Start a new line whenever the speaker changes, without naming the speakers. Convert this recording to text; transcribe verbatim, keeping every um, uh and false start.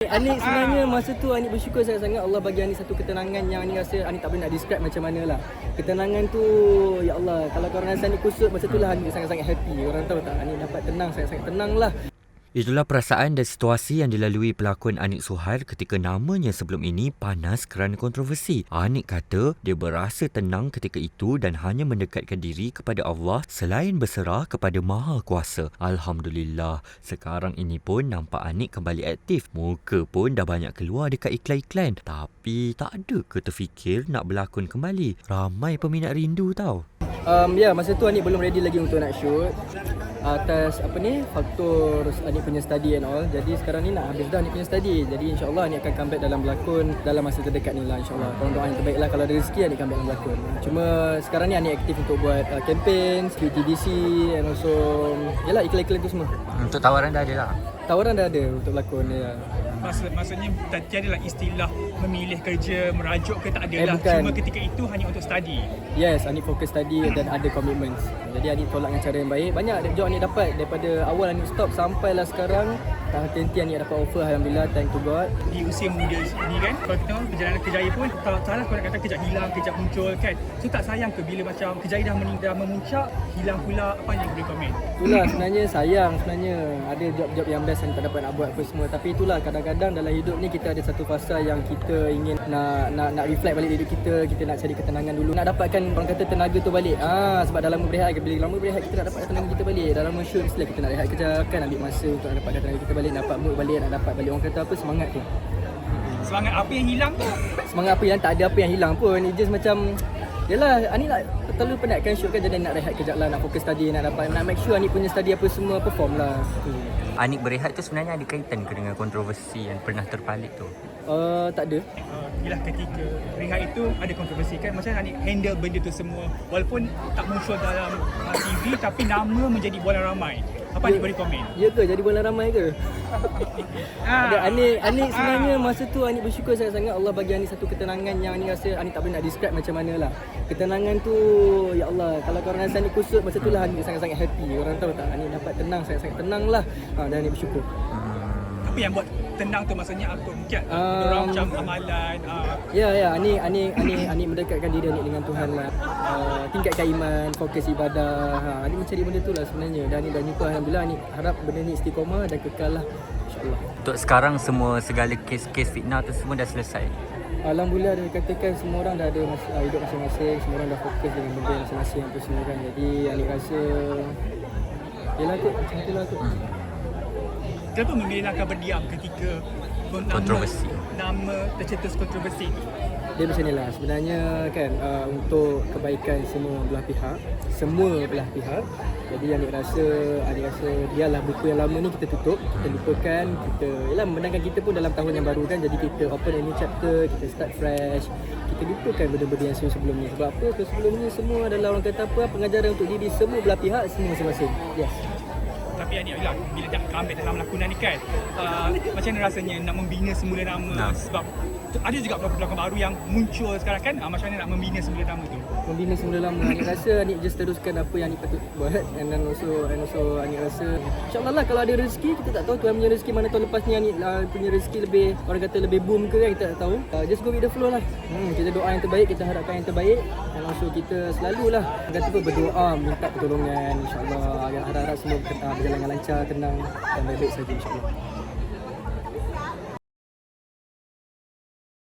Anik sebenarnya masa tu Anik bersyukur sangat-sangat Allah bagi Anik satu ketenangan yang Anik rasa Anik tak boleh nak describe macam mana lah. Ketenangan tu, ya Allah, kalau korang rasa Anik kusut, masa tu lah Anik sangat-sangat happy. Korang tahu tak, Anik dapat tenang, sangat-sangat tenang lah.
Itulah perasaan dan situasi yang dilalui pelakon Anik Suhail ketika namanya sebelum ini panas kerana kontroversi. Anik kata dia berasa tenang ketika itu dan hanya mendekatkan diri kepada Allah selain berserah kepada Maha Kuasa. Alhamdulillah, sekarang ini pun nampak Anik kembali aktif. Muka pun dah banyak keluar dekat iklan-iklan. Tapi tak ada ke terfikir nak berlakon kembali? Ramai peminat rindu tau.
Um, ya, masa tu Anik belum ready lagi untuk nak shoot. Atas apa ni, faktor Anik punya study and all. Jadi sekarang ni nak habis dah Anik punya study. Jadi insyaAllah Anik akan comeback dalam berlakon dalam masa terdekat ni lah, insyaAllah. Korang doa yang terbaik lah, kalau ada rezeki Anik comeback dalam berlakon. Cuma sekarang ni Anik aktif untuk buat uh, campaign, P T D C and also yalah, iklan-iklan tu semua.
Untuk tawaran dah ada lah?
Tawaran dah ada untuk berlakon ya.
Maksud, maksudnya tak tiada lah istilah memilih kerja, merajuk ke, tak ada
Eh,
lah.
bukan.
Cuma ketika itu hanya untuk study.
Yes, Anik fokus study dan ada commitments. Jadi Anik tolak dengan cara yang baik. Banyak job Anik dapat daripada awal Anik stop sampailah sekarang. Tak henti-henti Anik dapat offer, Alhamdulillah, thank to God.
Di usia muda ni kan, kalau kita tahu perjalanan Kejaya pun tak salah kalau nak kata kejap hilang, kejap muncul kan. So tak sayang ke bila macam Kejaya dah mening, dah memuncak, hilang pula, apa yang boleh komen?
Itulah sebenarnya sayang sebenarnya. Ada job-job yang best yang tak dapat nak buat apa semua. Tapi itulah kadang-kadang dalam hidup ni kita ada satu fasa yang kita ingin nak nak nak reflect balik hidup kita. Kita nak cari ketenangan dulu. Nak dapatkan orang kata tenaga tu balik. Ah sebab dalam berehat, bila lama berehat kita nak dapatkan tenaga kita balik. Dalam shoot mestilah kita nak rehat kejap kan, ambil masa untuk nak dapatkan tenaga kita balik, dapat mood balik, nak dapat balik orang kata apa, semangat tu.
Semangat apa yang hilang tu?
Semangat apa yang tak ada apa yang hilang pun. It just macam yalah, Anik nak terlalu penatkan shoot kan, jadi nak rehat kejap lah, nak fokus study, nak dapat nak make sure Anik punya study apa semua perform lah. Hmm.
Anik berehat tu sebenarnya ada kaitan ke dengan kontroversi yang pernah terpalit tu?
Uh, tak ada.
Uh, ialah ketika rehat itu ada kontroversi kan, macam mana Anik handle benda tu semua walaupun tak muncul dalam uh, T V tapi nama menjadi bola ramai. Apa Anik boleh komen?
Ya ke? Jadi bola ramai ke? Ada Anik, Anik sebenarnya masa tu Anik bersyukur sangat-sangat Allah bagi Anik satu ketenangan yang Anik rasa Anik tak boleh nak describe macam mana lah. Ketenangan tu, ya Allah, kalau korang rasa Anik kusut, masa tu lah Anik sangat-sangat happy. Korang tahu tak, Anik dapat tenang, sangat-sangat tenang lah. Ha, dan Anik bersyukur.
Apa yang buat tenang tu, maksudnya apa? Mungkin
Um,
orang macam amalan. Uh,
Ya, ya, Anik, Anik, Anik, Anik mendekatkan diri Anik dengan Tuhan lah. Uh, tingkatkan iman, fokus ibadah. Ha, Anik mencari benda tu lah sebenarnya. Dan Anik dah jumpa, Alhamdulillah. Anik harap benda ni istiqomah dan kekal lah, insyaAllah.
Untuk sekarang semua segala kes-kes fitnah tu semua dah selesai?
Alhamdulillah, dia katakan semua orang dah ada mas- uh, hidup masing-masing. Semua orang dah fokus dengan benda masing-masing apa semua kan. Jadi Anik rasa yelah kot, macam tu lah kot.
Kenapa memilih langkah berdiam ketika nama,
Kontroversi.
nama tercetus kontroversi itu?
Dia macam ni lah sebenarnya kan, uh, untuk kebaikan semua belah pihak, semua belah pihak. Jadi Anik rasa, Anik rasa biarlah buku yang lama ni kita tutup, kita lupakan, kita yalah memandangkan kita pun dalam tahun yang baru kan. Jadi kita open a new chapter, kita start fresh. Kita lupakan benda-benda yang sebelum ni. Sebab apa? Sebelum ni semua adalah orang kata apa, pengajaran untuk diri semua belah pihak, semua masing-masing. Yes.
Tapi Anik lah, bila dah comeback dalam lakonan ni kan, uh, macam mana rasanya nak membina semula nama?
Nah.
Sebab ada juga pelakon-pelakon baru yang muncul sekarang kan, uh, macam mana nak membina semula nama tu?
Membina semula lama. Anik rasa Anik just teruskan apa yang Anik patut buat. And then also, and also Anik rasa InsyaAllah lah, kalau ada rezeki, kita tak tahu Tuhan punya rezeki mana tahun lepas ni Anik uh, punya rezeki lebih, orang kata lebih boom ke kan, kita tak tahu. uh, Just go with the flow lah. hmm, Kita doa yang terbaik, kita harapkan yang terbaik. Dan also kita selalulah orang kata apa, berdoa, minta pertolongan InsyaAllah. Yang harap-harap semua uh, berjalan dengan lancar, tenang dan baik-baik saja InsyaAllah.